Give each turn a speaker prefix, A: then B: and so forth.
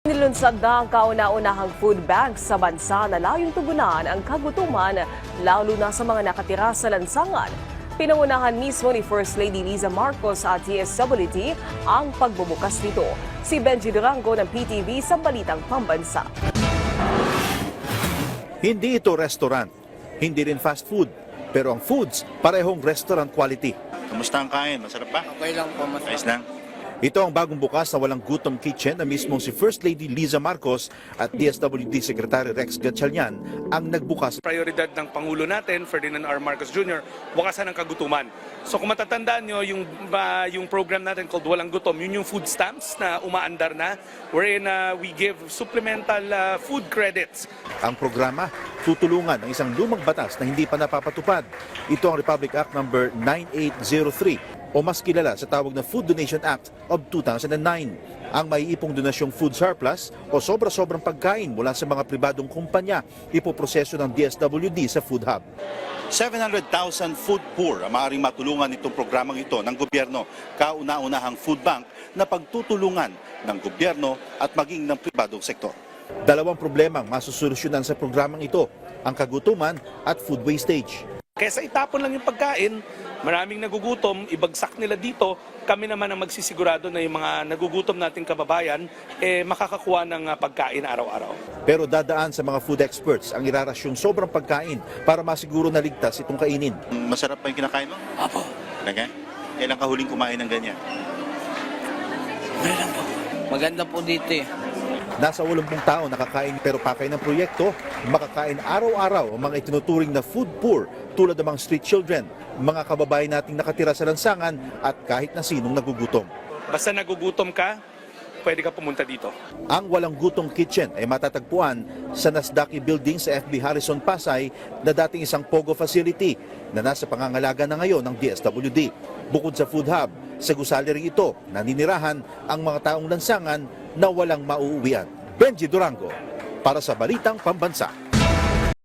A: Nilunsad na ang kauna-unahang food bank sa bansa na layong tugunan ang kagutuman lalo na sa mga nakatira sa lansangan. Pinangunahan mismo ni First Lady Liza Marcos at DSWD ang pagbubukas nito. Si Benji Durango ng PTV sa Balitang Pambansa.
B: Hindi ito restaurant, hindi rin fast food, pero ang foods parehong restaurant quality.
C: Kamusta ang kain? Masarap ba?
D: Okay lang po, masarap.
C: Ayos lang.
B: Ito ang bagong bukas na walang gutom kitchen na mismong si First Lady Liza Marcos at DSWD Secretary Rex Gatchalian ang nagbukas.
E: Prioridad ng Pangulo natin, Ferdinand R. Marcos Jr., wakasan ng kagutuman. So kung matatandaan nyo, yung program natin called Walang Gutom, yun yung food stamps na umaandar na, wherein we give supplemental food credits.
B: Ang programa tutulungan ng isang lumang batas na hindi pa napapatupad. Ito ang Republic Act No. 9803 o mas kilala sa tawag na Food Donation Act of 2009. Ang maiipong donasyong food surplus o sobra-sobrang pagkain mula sa mga pribadong kumpanya ipoproseso ng DSWD sa Food Hub.
C: 700,000 food poor ang maaaring matulungan itong programang ito ng gobyerno, kauna-unahang food bank na pagtutulungan ng gobyerno at maging ng pribadong sektor.
B: Dalawang problemang masusolusyonan sa programang ito, ang kagutuman at food wastage.
E: Kesa itapon lang yung pagkain, maraming nagugutom, ibagsak nila dito, kami naman ang magsisigurado na yung mga nagugutom nating kababayan makakakuha ng pagkain araw-araw.
B: Pero dadaan sa mga food experts ang irarasyong sobrang pagkain para masiguro na ligtas itong kainin.
C: Masarap pa yung kinakain mo?
D: Apo,
C: Talaga? Kailan ka huling kumain ng ganyan?
D: okay lang po. Maganda po dito eh.
B: Nasa 80 tao nakakain pero pakay ng proyekto, makakain araw-araw ang mga itinuturing na food poor tulad ng mga street children, mga kababayan nating nakatira sa lansangan at kahit na sinong nagugutom.
E: Basta nagugutom ka, pwede ka pumunta dito.
B: Ang Walang Gutong Kitchen ay matatagpuan sa Nasdaqi Building sa FB Harrison, Pasay na dating isang POGO facility na nasa pangangalaga na ngayon ng DSWD. Bukod sa Food Hub, sa gusali rin ito naninirahan ang mga taong lansangan na walang mauuwian. Benji Durango para sa Balitang Pambansa.